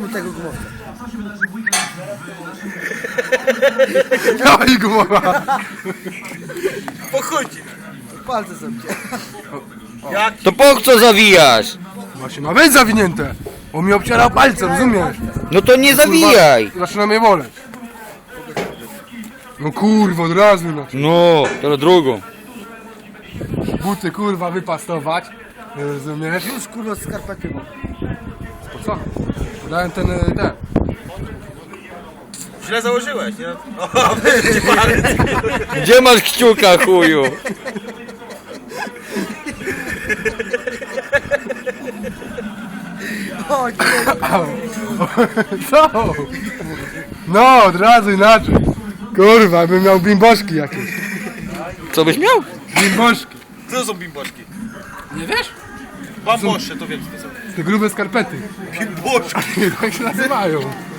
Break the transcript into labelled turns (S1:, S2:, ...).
S1: tego gumowca.
S2: No i gumowa.
S3: Pochodzi.
S1: Palce są cię.
S3: Jak?
S4: To po co zawijasz?
S2: Właśnie ma być zawinięte. On mi obcierał palce, rozumiesz?
S4: No to nie zawijaj.
S2: Zaczyna mnie boleć. No kurwa, od razu no.
S4: No, teraz drugą.
S2: Buty kurwa wypastować. Rozumiesz?
S1: Już kurwa skarpety mam.
S2: Po co? Dałem ten.
S3: Źle założyłeś, nie? O, będzie palec.
S4: Gdzie masz kciuka, chuju?
S1: Chodź,
S2: Co? No, od razu inaczej. Kurwa, bym miał bimboszki jakieś.
S4: Co byś miał?
S2: Bimboszki.
S3: Co to są bimboszki?
S2: Nie wiesz?
S3: Bambosze, to wiem co to są.
S2: Te grube skarpety.
S3: Bimboszki.
S2: Tak się nazywają.